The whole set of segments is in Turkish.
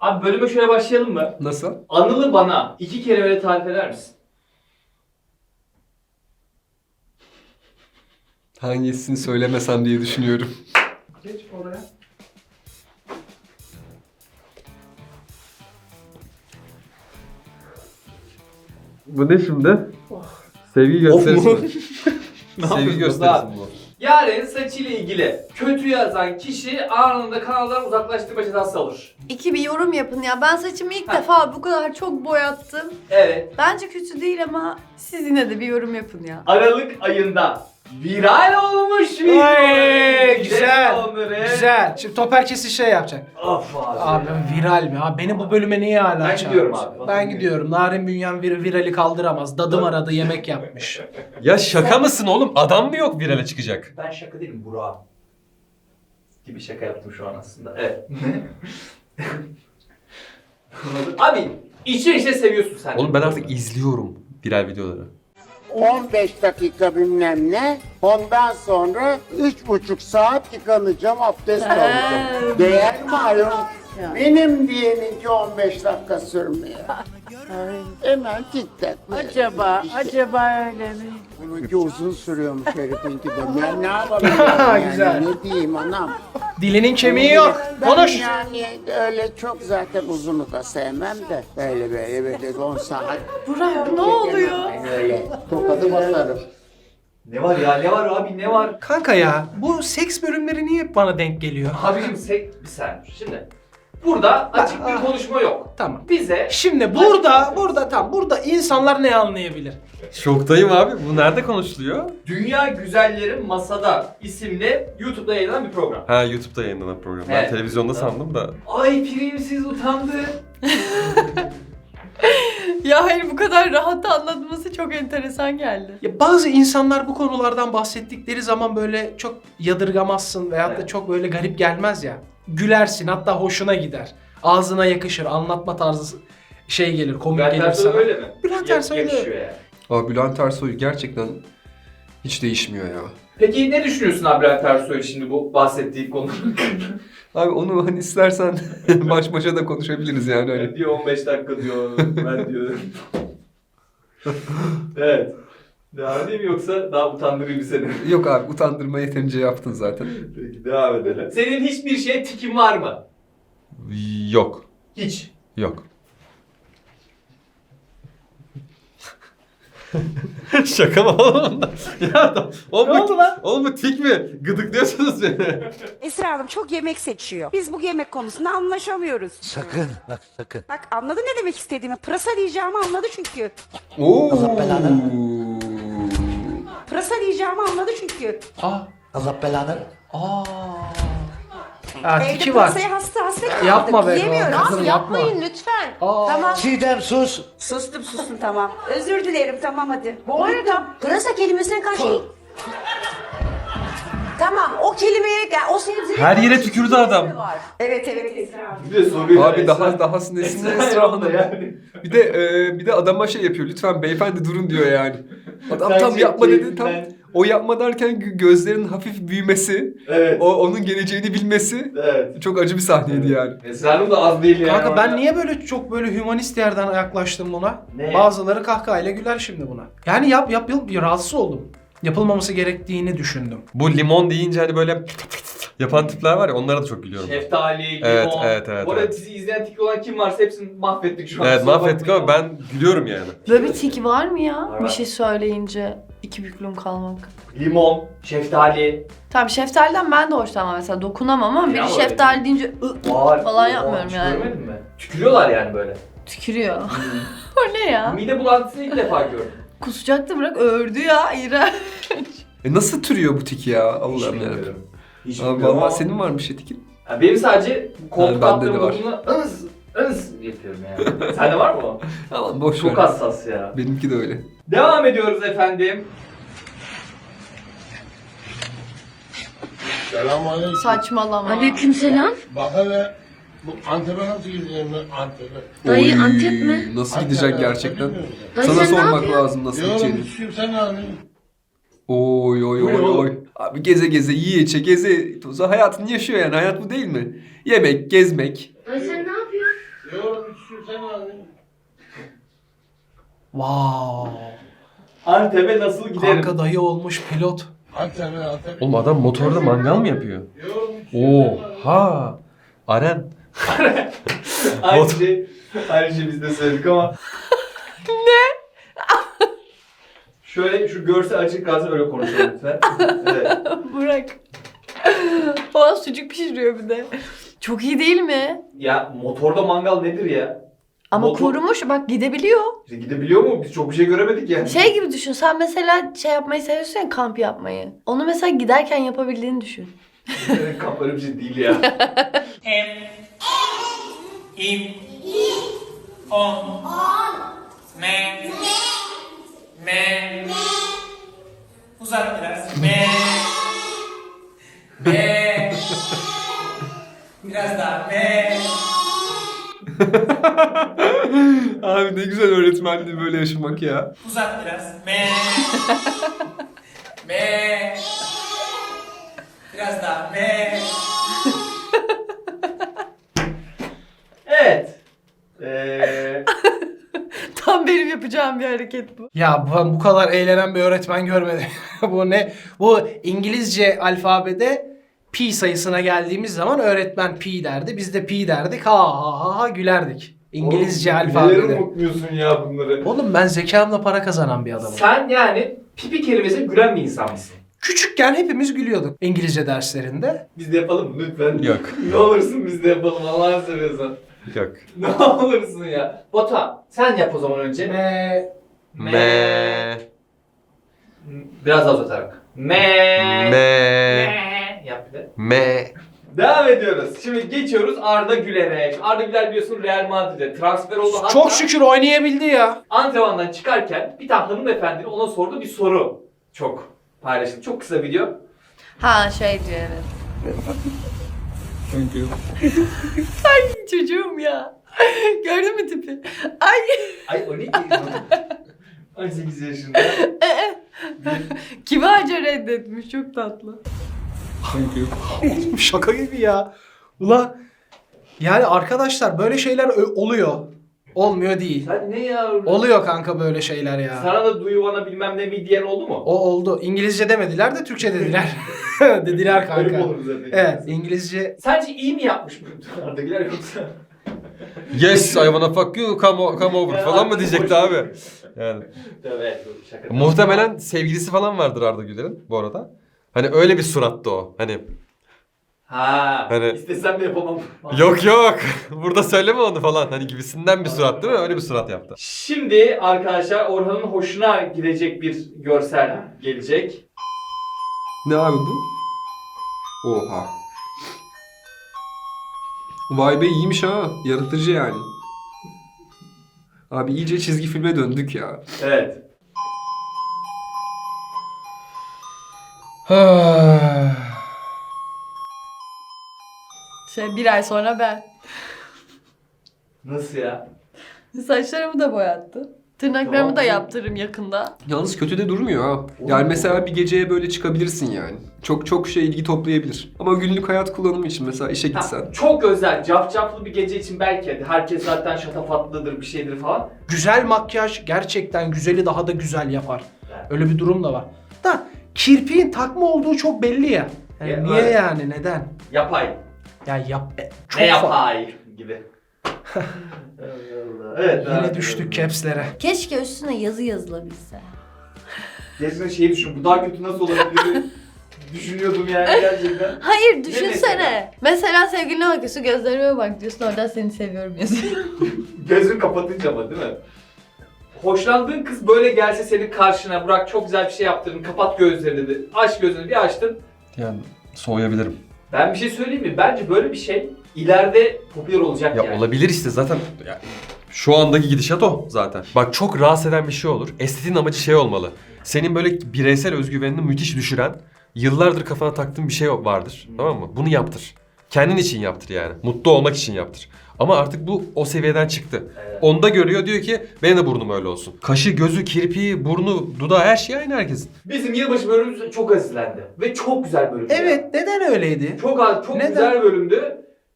Abi bölüme şöyle başlayalım mı? Nasıl? Anıl'ı bana 2 kelimeyle tarif eder misin? Hangisini söylemesem diye düşünüyorum. Geç oraya. Bu ne şimdi? Sevgi gösterisi mi? Sevgi gösterisi mi bu? Yaren'in saçıyla ilgili kötü yazan kişi anında kanaldan uzaklaştırma cezası alır. Bir yorum yapın ya. Ben saçımı ilk defa bu kadar çok boyattım. Evet. Bence kötü değil ama siz yine de bir yorum yapın ya. Aralık ayında viral olmuş video. Ay, güzel. Onları. Güzel. Şimdi top herkesi şey yapacak. Of abi. Abi viral mi? Abi beni bu bölüme niye hala Ben çağırdın? gidiyorum abi. Ben gidiyorum. Narin Bünyan virali kaldıramaz. Dadım aradı yemek yapmış. Ya şaka mısın oğlum? Adam mı yok virale çıkacak? Ben şaka değilim Burak. Gibi şaka yaptım şu an aslında. Evet. Abi içe içe seviyorsun sen. Oğlum ben artık izliyorum viral videoları. 15 dakika bilmem ne. Ondan sonra 3,5 saat yıkanacağım, abdest alacağım. Değer mi ayol? Benim diyeninki 15 dakika sürmüyor. Hemen tik tak. Acaba öyle mi? Bununki uzun sürüyormuş herifinki de. Ben ne yapayım yani? Güzel. Ne diyeyim anam? Dilinin kemiği yok. Ben Konuş. yani öyle çok zaten uzunu da sevmem de. Böyle 10 saat. Burak ne oluyor? Ben öyle tokadı basarım. Ne var ya? Ne var abi? Ne var? Kanka ya bu seks bölümleri niye hep bana denk geliyor? Abicim bir saniye. Şimdi burada açık bir konuşma yok. Tamam. Bize Şimdi burada insanlar ne anlayabilir? Şoktayım abi. Bu nerede konuşuluyor? Dünya Güzellerin Masada isimli YouTube'da yayınlanan bir program. Ha YouTube'da yayınlanan program. Ben Evet. televizyonda sandım da. Ay primsiz utandı. Ya hayır bu kadar rahat anlatması çok enteresan geldi. Ya bazı insanlar bu konulardan bahsettikleri zaman böyle çok yadırgamazsın veyahut da Evet. çok böyle garip gelmez ya. Gülersin hatta hoşuna gider. Ağzına yakışır, anlatma tarzı şey gelir, komik Bülent gelir Ersoy sana. öyle mi? Bülent Ersoy öyle. Yakışıyor yani. Abi Bülent Ersoy gerçekten hiç değişmiyor ya. Peki ne düşünüyorsun abi Bülent Ersoy şimdi bu bahsettiği konu hakkında? Abi onu hani istersen baş başa da konuşabiliriz yani hani. Diyor 15 dakika diyor, ben diyor. Evet. Devam edeyim mi yoksa daha utandırayım mı seni? Yok abi utandırma yeterince yaptın zaten. Peki devam edelim. Senin hiçbir şeye tikin var mı? Yok. Hiç. Yok. Şaka mı oğlum? Ya da, oğlum, Ne oldu lan? Oğlum bu tik mi? Gıdıklıyorsunuz beni. Esra Hanım çok yemek seçiyor. Biz bu yemek konusunda anlaşamıyoruz. Sakın bak sakın. Bak anladı ne demek istediğimi. Pırasa diyeceğimi anladı çünkü. Oo. Allah belanı. Pırasa diyeceğimi anladı çünkü. Allah belanı. Ha, Evde tiki var. pırasaya hasret kaldık. Yapma be. Yiyemiyoruz. Kızım yapma. lütfen. Tamam. Çiğdem sus. Sustum tamam. Özür dilerim tamam hadi. Bu arada pırasa kelimesine karşı... Tamam o kelimeye o sebzeye... Her yere tükürdü adam. Evet Esra Hanım. Bir de soruyor. Abi dahasını nesine Esra Hanım. yani. Bir de adama şey yapıyor. Lütfen beyefendi durun diyor yani. Adam Sen tam yapma dedi. Tam keyfinden- o yapma derken gözlerinin hafif büyümesi, Evet. onun geleceğini bilmesi Evet. çok acı bir sahneydi yani. Esra Hanım da az değil yani. Kanka ben orada. niye böyle çok böyle hümanist yerden yaklaştım buna? Ne? Bazıları kahkahayla güler şimdi buna. Yani yap rahatsız oldum. Yapılmaması gerektiğini düşündüm. Bu limon deyince hani böyle yapan tipler var ya onlara da çok gülüyorum. Şeftali, limon. Evet, Bu arada evet. dizi izleyen tiki olan kim varsa hepsini mahvettik şu an. Evet Kusura mahvettik bakmayın ama ben gülüyorum yani. Böyle bir tik var mı ya? Var. Bir şey söyleyince iki büklüm kalmak. Limon, şeftali. Tabii şeftaliden ben de hoşlanmam mesela dokunamam ama Ya biri var. şeftali deyince Var. falan yapmıyorum Hiç yani. Görmedin mi? Tükürüyorlar yani böyle. Tükürüyor. O ne ya? Mide bulantısını ilk defa gördüm. Kusacaktı bırak ördü ya iğrenç. Nasıl türüyor bu tiki ya? Allah'ım Hiç yarabbim. bilmiyorum. Hiç Abi bilmiyorum ama- vallahi senin var mı şey tikin? Ya benim sadece koltuk bende de altlarım var. dokunduğunda ınz yapıyorum yani. Sende var mı o? Aman boş Çok ver. hassas ya. Benimki de öyle. Devam ediyoruz efendim. Selamünaleyküm. Saçmalama. Aleykümselam. Bak hele bu Antep'e nasıl gideceğim ben Antep'e? Dayı Oy, Antep mi? Nasıl Antep'e, gidecek Antep'e gerçekten? bilmiyorum. Dayı Sana sen ne sormak yapıyorsun? lazım nasıl Diyorum gideceğini. düşeyim sen ne yapıyorsun? Oy oy Bu ne oy oğlum? oy. Abi geze geze yiye içe geze toza hayatını yaşıyor yani hayat bu değil mi? Yemek, gezmek. Dayı sen ne yapıyorsun? Yorum düşürsen abi. Wow. Antep'e nasıl giderim? Kanka dayı olmuş pilot. Antep. Oğlum adam motorda mangal mı yapıyor? Yorum düşürsen abi. Oha. Aren. Aynı şey biz de söyledik ama. Ne? Şöyle şu görsel açık kalsın öyle konuşalım lütfen. Evet. Bırak. O sucuk pişiriyor bir de. Çok iyi değil mi? Ya motorda mangal nedir ya? Ama Motor- kurumuş bak gidebiliyor. İşte gidebiliyor mu? Biz çok bir şey göremedik yani. Şey gibi düşün, sen mesela şey yapmayı seviyorsun ya, kamp yapmayı. Onu mesela giderken yapabildiğini düşün. Kamp öyle bir şey değil ya. Uzat biraz. Biraz daha. Abi ne güzel öğretmendi böyle yaşamak ya. Uzat biraz. Biraz daha. Evet. Tam benim yapacağım bir hareket bu. Ya ben bu kadar eğlenen bir öğretmen görmedim. Bu ne? Bu İngilizce alfabede pi sayısına geldiğimiz zaman öğretmen pi derdi. Biz de pi derdik. Ha ha ha ha gülerdik. İngilizce Oğlum, alfabede. neleri unutmuyorsun ya bunları? Oğlum ben zekamla para kazanan bir adamım. Sen yani pipi kelimesine gülen bir insan mısın? Küçükken hepimiz gülüyorduk İngilizce derslerinde. Biz de yapalım mı lütfen? Yok. Ne olursun biz de yapalım Allah'ını seviyorsan. Yok. Ne olursun ya. Batuhan sen yap o zaman önce. Me. Biraz daha uzatarak. Yap bir de. Me. Devam ediyoruz. Şimdi geçiyoruz Arda Güler'e. Arda Güler biliyorsun Real Madrid'e transfer oldu. Hatta Çok şükür oynayabildi ya. antrenmandan çıkarken bir tane hanımefendinin ona sorduğu bir soru çok paylaşıldı. Çok kısa video. Ha şey diyor evet. Ay çocuğum ya. Gördün mü tipi? Ay. Ay o ne ki? 18 yaşında. Kibarca reddetmiş, çok tatlı. Şaka gibi ya. Ulan yani arkadaşlar böyle şeyler oluyor. Olmuyor değil. Sen ne yavrum? Oluyor kanka böyle şeyler ya. Sana da duyuvana bilmem ne mi diyen oldu mu? O oldu. İngilizce demediler de Türkçe dediler. Dediler Öyle kanka. olur zaten. Evet İngilizce. Sence iyi mi yapmış bu Arda Güler yoksa? Yes, I wanna fuck you, come over falan mı diyecekti abi? Yani. Evet, şaka. Muhtemelen sevgilisi falan vardır Arda Güler'in bu arada. Hani öyle bir surattı o. Hani Ha, Hani- istesem de yapamam. yok burada söyleme onu falan hani gibisinden bir surat değil mi? Öyle bir surat yaptı. Şimdi arkadaşlar Orhan'ın hoşuna gidecek bir görsel gelecek. Ne abi bu? Oha. Vay be iyiymiş ha. Yaratıcı yani. Abi iyice çizgi filme döndük ya. Evet. Şey, bir ay sonra ben. Nasıl ya? Saçlarımı da boyattı. Tırnaklarımı Tamam. da yaptırırım yakında. Yalnız kötü de durmuyor ha. Yani mesela bir geceye böyle çıkabilirsin yani. Çok şey ilgi toplayabilir. Ama günlük hayat kullanımı için mesela işe gitsen. Çok özel, cafcaflı bir gece için belki hadi. Herkes zaten şatafatlıdır bir şeydir falan. Güzel makyaj gerçekten güzeli daha da güzel yapar. Evet. Öyle bir durum da var. Da kirpiğin takma olduğu çok belli ya. Yani Ya, niye evet. yani neden? Yapay. Ya yap çok Ne fa- yapay gibi. Allah Allah. Evet. Yine düştük caps'lere. Keşke üstüne yazı yazılabilse. Gerçekten şeyi düşün. Bu daha kötü nasıl olabilir? Düşünüyordum yani gerçekten. Hayır düşünsene. mesela? Mesela sevgiline bakıyorsun, gözlerime bak diyorsun, oradan seni seviyorum yazıyor. Gözünü kapatınca ama değil mi? Hoşlandığın kız böyle gelse senin karşına, Burak çok güzel bir şey yaptırdın, kapat gözlerini dedi. Aç gözünü, bir açtın. Yani soğuyabilirim. Ben bir şey söyleyeyim mi? Bence böyle bir şey ileride popüler olacak Ya yani. olabilir işte zaten. Ya, şu andaki gidişat o zaten. Bak çok rahatsız eden bir şey olur. Estetiğin amacı şey olmalı. Senin böyle bireysel özgüvenini müthiş düşüren, yıllardır kafana taktığın bir şey vardır. Tamam mı? Bunu yaptır. Kendin için yaptır yani. Mutlu olmak için yaptır. Ama artık bu o seviyeden çıktı. Evet. Onda görüyor diyor ki benim de burnum öyle olsun. Kaşı, gözü, kirpiği, burnu, dudağı her şey aynı herkesin. Bizim yılbaşı bölümümüz çok azizlendi. Ve çok güzel bölümdü. Evet neden öyleydi? Çok Neden? güzel bölümdü.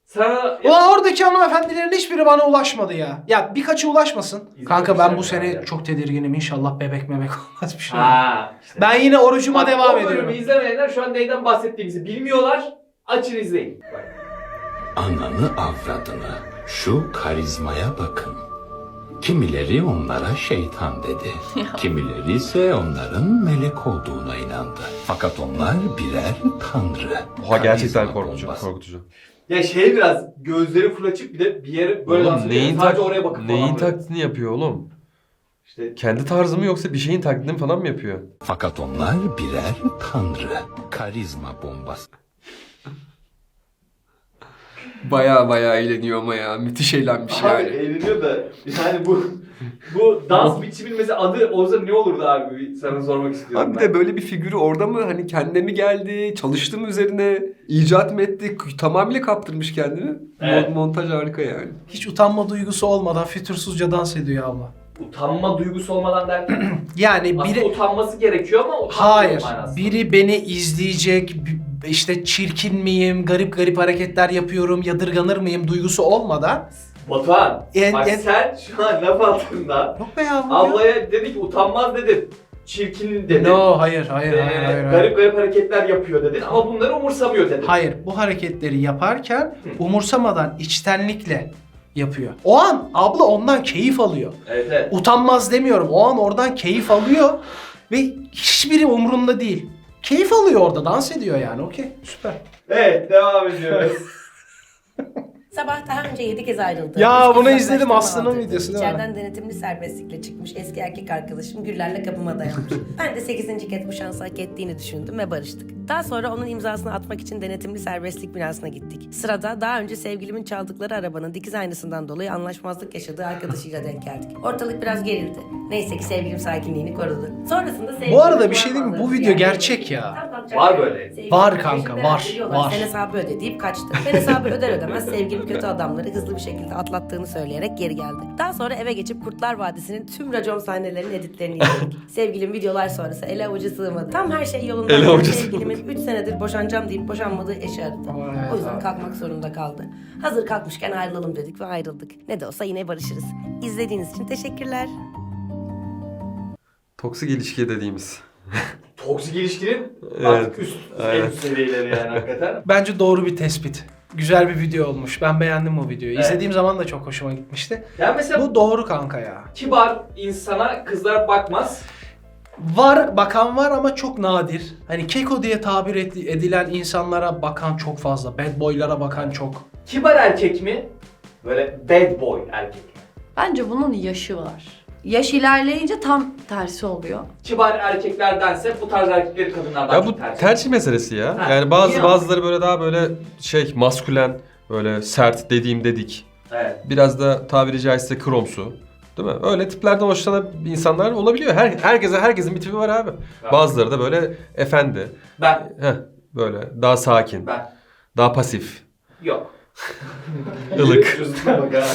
Sana... Ulan oradaki hanımefendilerin hiçbiri bana ulaşmadı ya. Ya birkaçı ulaşmasın. Kanka ben bu İzlemişler sene ya. çok tedirginim. İnşallah bebek olmaz bir şey. Ha, işte. Ben yine orucuma Bak, devam o bölümü ediyorum. izlemeyenler şu an neyden bahsettiğimizi bilmiyorlar. Açın izleyin. Bak. Ananı avradını, şu karizmaya bakın. Kimileri onlara şeytan dedi. Kimileri ise onların melek olduğuna inandı. Fakat onlar birer tanrı. Oha gerçekten Karizma korkutucu. bombası. Korkutucu. Ya biraz gözleri full açık bir de bir yere böyle dans Oğlum ediyor. Sadece oraya bakıp neyin falan böyle. taklidini yapıyor oğlum? İşte Kendi tarzı mı yoksa bir şeyin taklidini falan mı yapıyor? Fakat onlar birer tanrı. Karizma bombası. Baya eğleniyor ama ya. Müthiş eğlenmiş abi yani. eğleniyor da yani bu dans biçimin mesela adı olsa ne olurdu abi? Bir sana sormak istiyorum. Abi bir ben. de böyle bir figürü orada mı hani kendine mi geldi, çalıştı mı üzerine, icat mı etti, tamamıyla kaptırmış kendini. Evet. Montaj harika yani. Hiç utanma duygusu olmadan fütursuzca dans ediyor abla. Utanma duygusu olmadan derken Yani aslında biri... utanması gerekiyor ama utanmıyor Hayır. manasında. Biri beni izleyecek, işte çirkin miyim, garip hareketler yapıyorum, yadırganır mıyım duygusu olmadan. Batuhan, bak En- sen şu an laf altında Yok be yavrum ya. ablaya dedi ki utanmaz dedin. Çirkin dedin. No, hayır. Garip hareketler yapıyor dedin ama bunları umursamıyor dedin. Hayır, bu hareketleri yaparken umursamadan içtenlikle yapıyor. O an abla ondan keyif alıyor. Evet. Utanmaz demiyorum. O an oradan keyif alıyor ve hiçbiri umurunda değil. Keyif alıyor orada, dans ediyor yani. Okey, süper. Evet, devam ediyoruz. Sabah daha önce 7 kez ayrıldı. Ya, 3 kez bunu uzaklaştırma izledim, Aslı'nın aldırdı. videosu değil mi? İçeriden denetimli serbestlikle çıkmış eski erkek arkadaşım güllerle kapıma dayanmış. Ben de 8. kez bu şansı hak ettiğini düşündüm ve barıştık. Daha sonra onun imzasını atmak için denetimli serbestlik binasına gittik. Sırada daha önce sevgilimin çaldıkları arabanın dikiz aynasından dolayı anlaşmazlık yaşadığı arkadaşıyla denk geldik. Ortalık biraz gerildi. Neyse ki sevgilim sakinliğini korudu. Sonrasında sevgilim... Bu arada bir şey diyeyim mi? Bu video gerçek ya. Var böyle. Var kanka, var. Sen hesabı öde deyip kaçtı. Ben hesabı öder ödemez sevgilim kötü adamları hızlı bir şekilde atlattığını söyleyerek geri geldi. Daha sonra eve geçip Kurtlar Vadisi'nin tüm racon sahnelerinin editlerini izledik. Sevgilim videolar sonrası ele avucu sığmadı. Tam her şey yolunda. Ele avucu Sevgilimin 3 senedir boşanacağım deyip boşanmadığı eşi aradı. O yüzden kalkmak zorunda kaldı. Hazır kalkmışken ayrılalım dedik ve ayrıldık. Ne de olsa yine barışırız. İzlediğiniz için teşekkürler. Toksik ilişki dediğimiz. Toksik ilişkinin Evet. artık en Evet. üst seviyeleri yani hakikaten. Bence doğru bir tespit. Güzel bir video olmuş. Ben beğendim o videoyu. Evet. İzlediğim zaman da çok hoşuma gitmişti. Yani mesela Bu doğru kanka ya. kibar insana kızlar bakmaz. Var, bakan var ama çok nadir. Hani keko diye tabir edilen insanlara bakan çok fazla. Bad boylara bakan çok. Kibar erkek mi? Böyle bad boy erkek mi? Bence bunun yaşı var. Yaş ilerleyince tam tersi oluyor. Kibar erkeklerdense bu tarz erkekleri kadınlardan Ya bu çok tercih. tercih meselesi ya. Ha, Yani niye? bazıları böyle daha böyle maskülen, böyle sert dediğim dedik. Evet. Biraz da tabiri caizse kromsu. Değil mi? Öyle tiplerden hoşlanan insanlar olabiliyor. Herkesin bir tipi var abi. Evet. Bazıları da böyle efendi. Ben. Böyle daha sakin. Ben. Daha pasif. Yok. Ilık. Bak ha.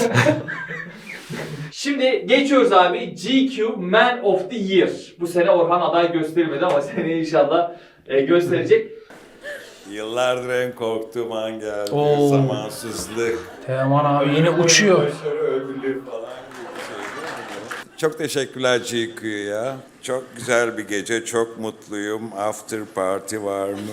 Şimdi geçiyoruz abi. GQ Man of the Year. Bu sene Orhan aday gösterilmedi ama seneye inşallah gösterecek. Yıllardır en korktuğum an geldi. Oo. Zamansızlık. Teoman abi yine uçuyor. Başarı, ödülü falan gibi bir şey değil mi? Çok teşekkürler GQ'ya. Çok güzel bir gece, çok mutluyum. After party var mı?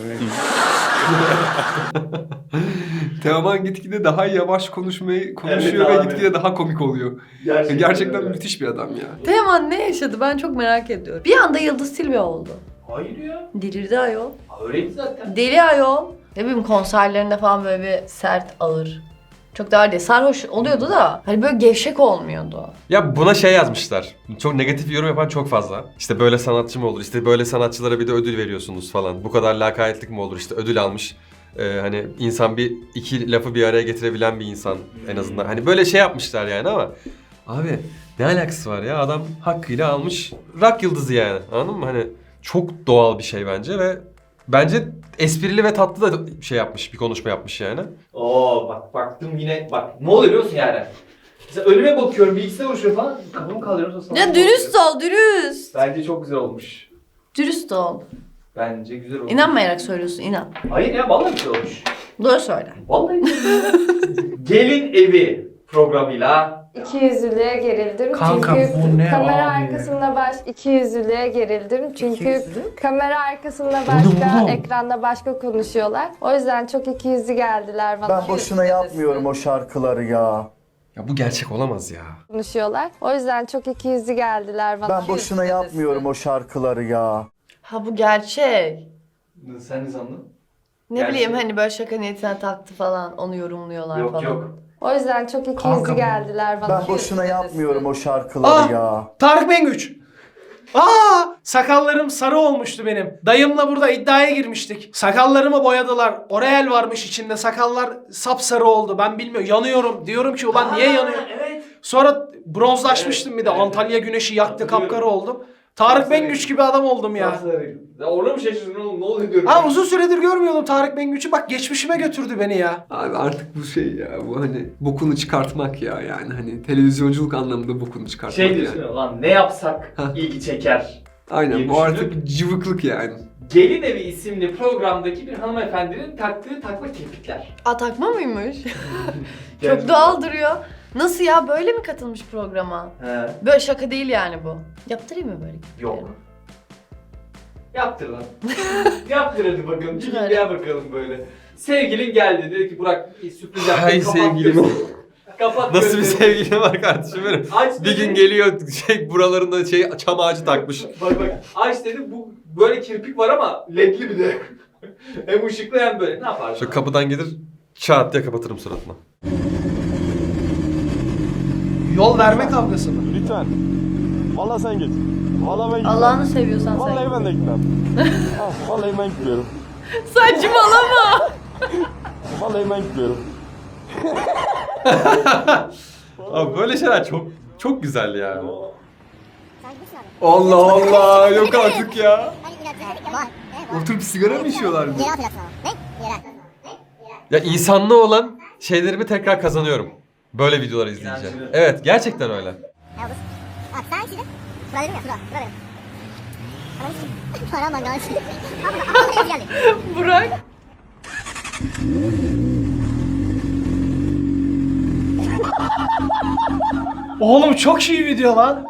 Teoman gitgide daha yavaş konuşuyor Evet ve abi. gitgide daha komik oluyor. Gerçekten müthiş bir adam ya. Teoman ne yaşadı ben çok merak ediyorum. Bir anda Yıldız Tilbe oldu. Hayır ya. Delirdi ayol. Öyleydi zaten. Deli ayol. Ne bileyim konserlerinde falan böyle bir sert ağır. Çok daha değil. Sarhoş oluyordu da hani böyle gevşek olmuyordu. Ya buna yazmışlar. Çok negatif yorum yapan çok fazla. İşte böyle sanatçı mı olur? İşte böyle sanatçılara bir de ödül veriyorsunuz falan. Bu kadar lakaytlık mı olur? İşte ödül almış. Hani insan iki lafı bir araya getirebilen bir insan en azından. Hani böyle yapmışlar yani ama abi ne alakası var ya? Adam hakkıyla almış rock yıldızı yani. Anladın mı? Hani çok doğal bir şey bence ve bence esprili ve tatlı da yapmış, bir konuşma yapmış yani. Oo bak baktım yine bak ne oluyor biliyor musun yani? Mesela önüme bakıyorum bilgisayar uğraşıyor falan kafamı kaldırıyorum sonra Ya dürüst ol, dürüst. Bence çok güzel olmuş. Dürüst ol. Bence güzel olmuş. İnanmayarak söylüyorsun, inan. Hayır ya vallahi güzel olmuş. Doğru söyle. Vallahi. Gelin Evi programıyla İkiyüzlülüğe gerildim Kanka, çünkü bu ne kamera abi? arkasında ikiyüzlülüğe gerildim çünkü kamera arkasında başka, ekranda başka konuşuyorlar. O yüzden çok ikiyüzlü geldiler bana. Ben boşuna yapmıyorum o şarkıları ya. Ya bu gerçek olamaz ya. Konuşuyorlar. O yüzden çok ikiyüzlü geldiler bana. Ben boşuna yapmıyorum o şarkıları ya. Ha bu gerçek. sen ne sandın? Ne Gerçek. bileyim hani böyle şaka niyetine taktı falan onu yorumluyorlar Yok falan. yok. O yüzden çok Kanka, ikiyüzlü geldiler bana. Ben boşuna yapmıyorum o şarkıları ya. Tarık Mengüç. Sakallarım sarı olmuştu benim. Dayımla burada iddiaya girmiştik. Sakallarımı boyadılar. Oreal varmış içinde. Sakallar sapsarı oldu. Ben bilmiyorum. Yanıyorum. Diyorum ki ulan niye yanıyor? Evet. Sonra bronzlaşmıştım bir de. Antalya güneşi yaktı, kapkara oldum. Tarık Mengüç gibi adam oldum ya. Ya ona mı şaşırdın oğlum? Ne oluyor diyorum. Ha uzun süredir görmüyordum Tarık Mengüç'ü. Bak geçmişime götürdü beni ya. Abi artık bu şey ya, bu hani bokunu çıkartmak ya, yani hani televizyonculuk anlamında bokunu çıkartmak Şey yani. diyorsun lan ne yapsak ilgi çeker. Aynen diye bu artık düşündüm. cıvıklık yani. Gelin Evi isimli programdaki bir hanımefendinin taktığı takma kirpikler. Takma mıymış? Gerçekten. Çok doğal duruyor. Nasıl ya böyle mi katılmış programa? He. Böyle şaka değil yani bu. Yaptırayım mı böyle? Yok. Yaptır lan. Yaptır hadi bakalım. Bir gün Şöyle. gel bakalım böyle. Sevgilin geldi dedi ki Burak bir sürpriz yaptım. Hay kapat sevgilim. gözünü. Kapat Nasıl bir gözünü. sevgilim var kardeşim benim. Aç Bir dedi. gün geliyor buralarında çam ağacı takmış. Bak aç dedi bu böyle kirpik var ama ledli bir de. Hem ışıklı hem böyle. Ne yaparsın? Şu kapıdan gelir çat diye kapatırım suratına. Yol verme kavgası mı? Lütfen. Valla sen git. Valla ben gitmem. Allah'ını seviyorsan sen. Vallahi ben de gitmem. Vallahi ben gitmiyorum. Saçmalama. Vallahi ben gitmiyorum. Abi böyle şeyler çok güzel ya. Allah Allah yok artık ya. Oturup sigara mı içiyorlar mı? Ya insanlığı olan şeylerimi tekrar kazanıyorum. Böyle videoları izleyince. İnancını. Evet gerçekten öyle. Burak. Oğlum çok iyi video lan.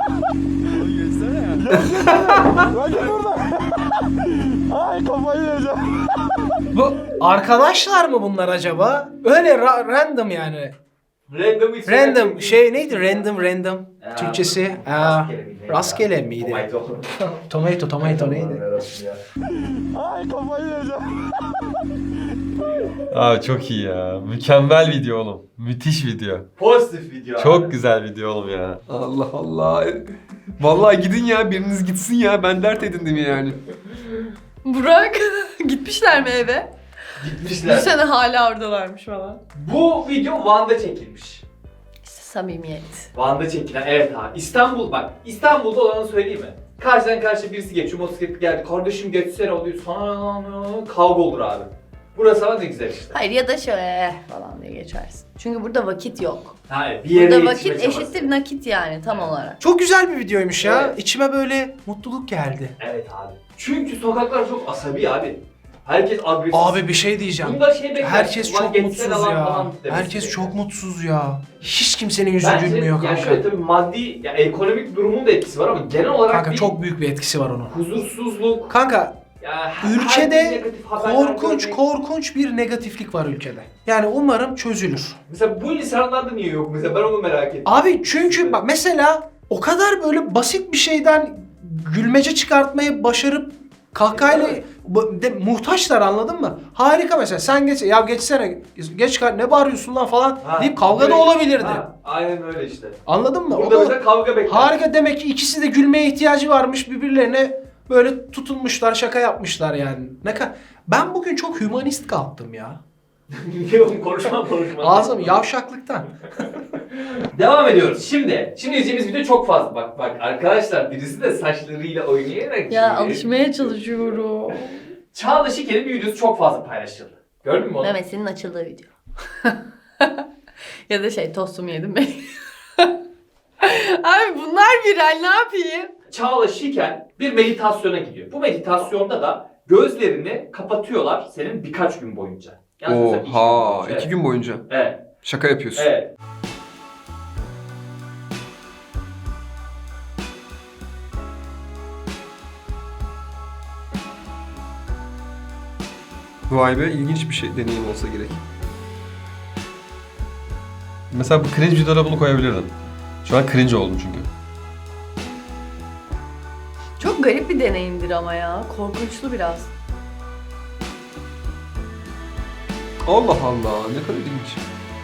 Lan gel buradan. Ay kafayı yiyeceğim. Bu arkadaşlar mı bunlar acaba? Öyle random yani. Random isim. Random şey neydi? Random. Ya, Türkçesi. rastgele miydi? Rastgele miydi? Tomato. Tomato neydi? Ay kafayı yiyeceğim. Abi çok iyi ya. Mükemmel video oğlum. Müthiş video. Pozitif video abi. Çok güzel video oğlum ya. Allah Allah. Vallahi gidin ya, biriniz gitsin ya, ben dert edindim yani. Burak. Gitmişler mi eve? Bu Gitmişler. sene hala oradalarmış falan. Bu video Van'da çekilmiş. İşte samimiyet. Van'da çekilen evet abi. İstanbul'da olanı söyleyeyim mi? Karşıdan karşıya birisi geçiyor, motosikletli geldi. Kardeşim geçsene oluyor. Sana kavga olur abi. Burası ama ne güzel işte. Hayır ya da şöyle falan diye geçersin. Çünkü burada vakit yok. Hayır, bir yere Burada yetişme vakit çabası. eşittir nakit yani tam olarak. Çok güzel bir videoymuş ya. Evet. İçime böyle mutluluk geldi. Evet abi. Çünkü sokaklar çok asabi abi. Herkes agresif. Abi bir şey diyeceğim. Bunda şey bekler. Herkes ulan çok geçsene mutsuz lan ya. falan demesi Herkes bekler. çok mutsuz ya. Hiç kimsenin yüzü Bence gülmüyor yani kanka. şöyle tabii maddi, ya ekonomik durumun da etkisi var ama genel olarak Kanka bir çok büyük bir etkisi var onun. huzursuzluk. Kanka Ya her ülkede bir negatif haberler görmek. korkunç bir negatiflik var ülkede. Yani umarım çözülür. Mesela bu insanlarda niye yok mesela ben onu merak ettim. Abi çünkü bak mesela o kadar böyle basit bir şeyden gülmece çıkartmayı başarıp kahkahayla muhtaçlar, anladın mı? Harika mesela sen geçsene ne bağırıyorsun lan falan Ha, deyip kavga da direkt- olabilirdi. Ha, aynen öyle işte. Anladın mı? Burada O da mesela kavga bekler. harika, demek ki ikisi de gülmeye ihtiyacı varmış, birbirlerine böyle tutunmuşlar, şaka yapmışlar yani. Ben bugün çok hümanist kalktım ya. Niye oğlum konuşma. Ağzım yavşaklıktan. Devam ediyoruz. Şimdi izleyeceğimiz video çok fazla. Bak arkadaşlar birisi de saçlarıyla oynayarak. Ya alışmaya çalışıyorum. Çağla Şikel'in bir videosu çok fazla paylaşıldı. Gördün mü onu? Mehmet senin açıldığı video. Ya da tostumu yedim ben. Abi bunlar viral, ne yapayım? Çağla Şikel bir meditasyona gidiyor. Bu meditasyonda da gözlerini kapatıyorlar senin birkaç gün boyunca. Yalnız mesela Oha, iki 2 gün boyunca. Evet. Şaka yapıyorsun. Evet. Vay be, ilginç bir şey, deneyim olsa gerek. Mesela bu cringe videolara bunu koyabilirdin. Şu an cringe oldum çünkü. Çok garip bir deneyimdir ama ya. Korkunçlu biraz. Allah Allah, ne kadar ilginç.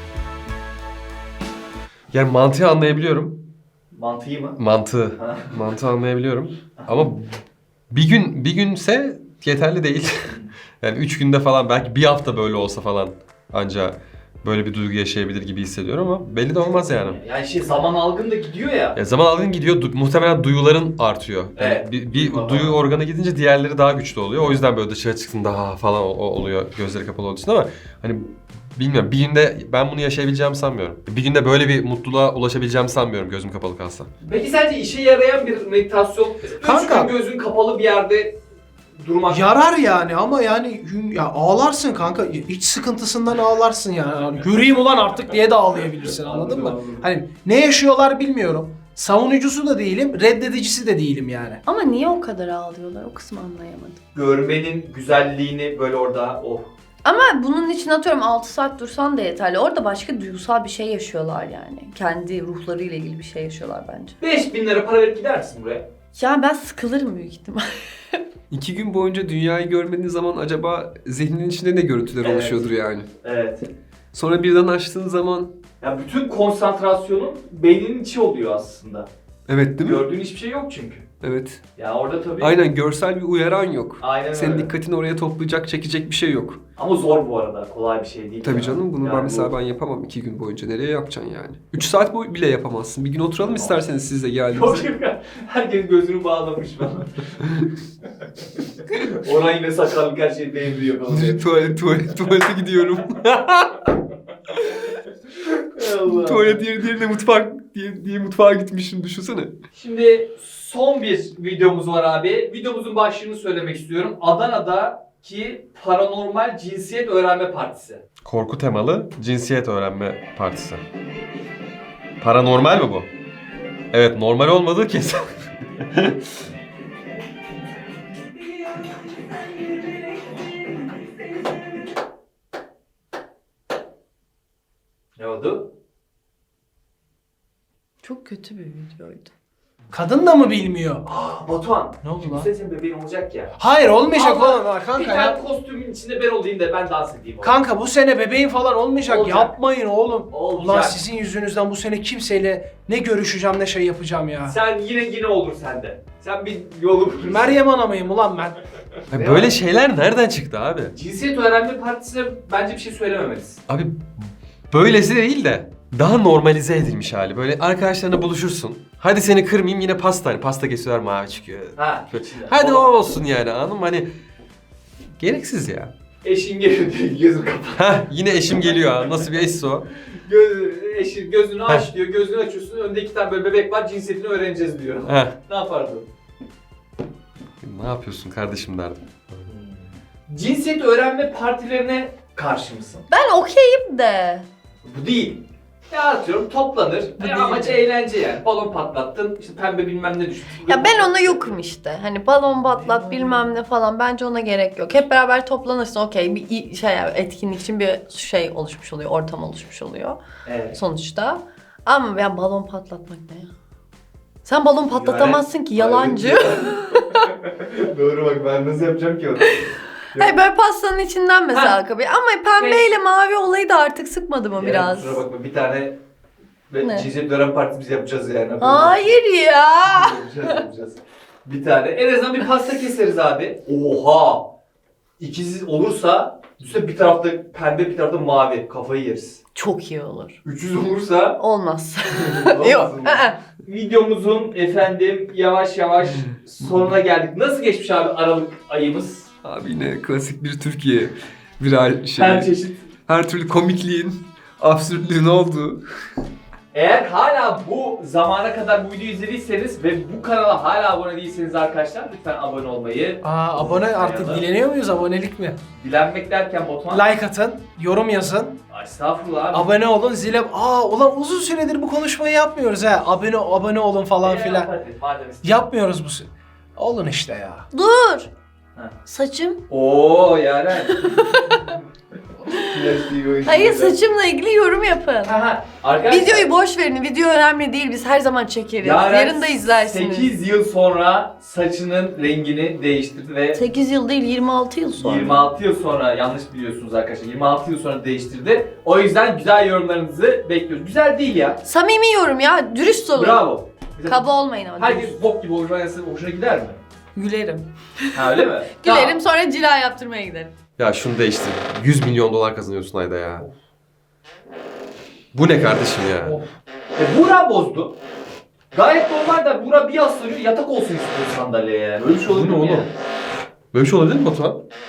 Yani mantığı anlayabiliyorum. Mantığı mı? Mantığı. Mantığı anlayabiliyorum. Ama bir günse yeterli değil. Yani 3 günde falan, belki bir hafta böyle olsa falan anca böyle bir duygu yaşayabilir gibi hissediyorum ama belli de olmaz yani. Yani zaman algın da gidiyor ya. Ya zaman aldığın gidiyor, muhtemelen duyuların artıyor. Yani Evet. bir duyu organı gidince diğerleri daha güçlü oluyor. O yüzden böyle dışarı çıktın daha falan oluyor gözleri kapalı olduğu için ama hani bilmiyorum, bir günde ben bunu yaşayabileceğimi sanmıyorum. Bir günde böyle bir mutluluğa ulaşabileceğimi sanmıyorum gözüm kapalı kalsa. Peki sence işe yarayan bir meditasyon, 3 gün gözün kapalı bir yerde durmak... Yarar yani ama yani ya ağlarsın kanka. İç sıkıntısından ağlarsın yani. Göreyim ulan artık diye de ağlayabilirsin, anladın mı? Hani ne yaşıyorlar bilmiyorum. Savunucusu da değilim, reddedicisi de değilim yani. Ama niye o kadar ağlıyorlar? O kısmı anlayamadım. Görmenin güzelliğini böyle orada Ama bunun için atıyorum 6 saat dursan da yeterli. Orada başka duygusal bir şey yaşıyorlar yani. Kendi ruhlarıyla ilgili bir şey yaşıyorlar bence. 5.000 lira para verip gider misin buraya? Yani ben sıkılırım büyük ihtimal. 2 gün boyunca dünyayı görmediğin zaman acaba zihninin içinde ne görüntüler Evet. oluşuyordur yani? Evet. Sonra birden açtığın zaman... Ya bütün konsantrasyonun beyninin içi oluyor aslında. Evet, değil mi? Gördüğün hiçbir şey yok çünkü. Evet. Ya orada tabii... Aynen, görsel bir uyaran yok. Aynen Senin öyle. dikkatini oraya toplayacak, çekecek bir şey yok. Ama zor bu arada. Kolay bir şey değil. Tabii yani. canım, bunu Yani ben mesela ben yapamam 2 gün boyunca. Nereye yapacaksın yani? 3 saat boyu bile yapamazsın. Bir gün oturalım isterseniz siz de geldiğinizde. Yok yok. Herkes gözünü bağlamış falan. Ona yine sakallık her şey devriyor falan. Tuvalete gidiyorum. Allah. Tuvalet yeri diğerine mutfak diye mutfağa gitmişim, düşünsene. Şimdi son bir videomuz var abi. Videomuzun başlığını söylemek istiyorum. Adana'daki paranormal cinsiyet öğrenme partisi. Korku temalı cinsiyet öğrenme partisi. Paranormal mi bu? Evet, normal olmadığı kesin. Ne oldu? Çok kötü bir videoydu. Kadın da mı bilmiyor? Batuhan. Ne oldu lan? Senin bebeğin olacak ya. Hayır olmayacak Allah, oğlum ha, Bir kanka tane ya. kostümün içinde ben olayım da ben dans edeyim. Kanka bu sene bebeğin falan olmayacak. Olacak. Yapmayın oğlum. Olacak. Ulan sizin yüzünüzden bu sene kimseyle ne görüşeceğim ne şey yapacağım ya. Sen yine olur sende. Sen bir yolu bulursun. Meryem Ana mıyım ulan ben? Abi böyle şeyler nereden çıktı abi? Cinsiyet öğrenme partisine bence bir şey söylememelisin. Abi böylesi değil de daha normalize edilmiş hali. Böyle arkadaşlarına buluşursun. Hadi seni kırmayayım, yine pasta. Hani pasta kesiyorlar, mavi çıkıyor. Ha. Hadi o olsun yani, anladın mı? Hani gereksiz ya. Eşin geliyor diyor, gözünü kapat. Heh, yine eşim geliyor ha. Nasıl bir eşse o? Eşin gözünü aç diyor, gözünü açıyorsun, önünde 2 tane böyle bebek var, cinsiyetini öğreneceğiz diyor. Heh. Ne yapardın? Ne yapıyorsun kardeşim derdim. Cinsiyet öğrenme partilerine karşı mısın? Ben okeyim de. Bu değil. Ya atıyorum toplanır. Amaç eğlence yani. Balon patlattın, işte pembe bilmem ne düştü. Ya ben ona yokum işte. Hani balon patlat bilmem ne falan, bence ona gerek yok. Hep beraber toplanırsın, okey, bir şey etkinlik için bir şey oluşmuş oluyor, ortam oluşmuş oluyor Evet. sonuçta. Ama ya balon patlatmak ne ya? Sen balon patlatamazsın ki, yalancı. Doğru bak, ben nasıl yapacağım ki onu? Hayır, böyle pastanın içinden mesela akabilir. Ama pembeyle mavi olayı da artık sıkmadı mı biraz? Kusura bakma, bir tane Ne? cinsiyet öğrenme partisi biz yapacağız yani. Hayır ya. Yapacağız. Bir tane. En azından bir pasta keseriz abi. Oha! İkiz olursa üstüne bir tarafta pembe bir tarafta mavi. Kafayı yeriz. Çok iyi olur. 300 olursa Olmaz. olmaz Yok. mı? Videomuzun efendim yavaş yavaş sonuna geldik. Nasıl geçmiş abi Aralık ayımız? Abi yine klasik bir Türkiye viral şey. Her çeşit. Her türlü komikliğin, absürtlüğün olduğu. Eğer hala bu zamana kadar bu videoyu izlediyseniz ve bu kanala hala abone değilseniz arkadaşlar lütfen abone olmayı. Abone artık unutmayalım. dileniyor muyuz? Abonelik mi? Dilenmek derken Batuhan. Like atın, yorum yazın, Estağfurullah abi. abone olun, zile... Ulan uzun süredir bu konuşmayı yapmıyoruz ha. Abone olun falan filan. Madem Yapmıyoruz bu Olun işte ya. Dur. Ha. Saçım. Oo Yaren. Hayır, saçımla ilgili yorum yapın. Aha, arkadaşlar. Videoyu boş verin. Video önemli değil. Biz her zaman çekeriz. Yarın da izlersiniz. 8 yıl sonra saçının rengini değiştirdi ve 8 yıl değil, 26 yıl sonra. 26 yıl sonra, yanlış biliyorsunuz arkadaşlar, 26 yıl sonra değiştirdi. O yüzden güzel yorumlarınızı bekliyoruz. Güzel değil ya. Samimi yorum ya. Dürüst olun. Bravo. Güzel. Kaba olmayın ama. Herkes bok gibi hoşuna gider mi? Gülerim. Ha öyle mi? Gülerim, sonra cila yaptırmaya giderim. Ya şunu değiştir. 100 milyon dolar kazanıyorsun ayda ya. Bu ne kardeşim ya? Of. Buğra bozdu. Gayet normal da Buğra bir yaslanıyor, yatak olsun istiyor sandalyeye yani. Öyle bir şey olur Bu ne mu oğlum? ya? Böyle bir şey olabilir mi Batuhan?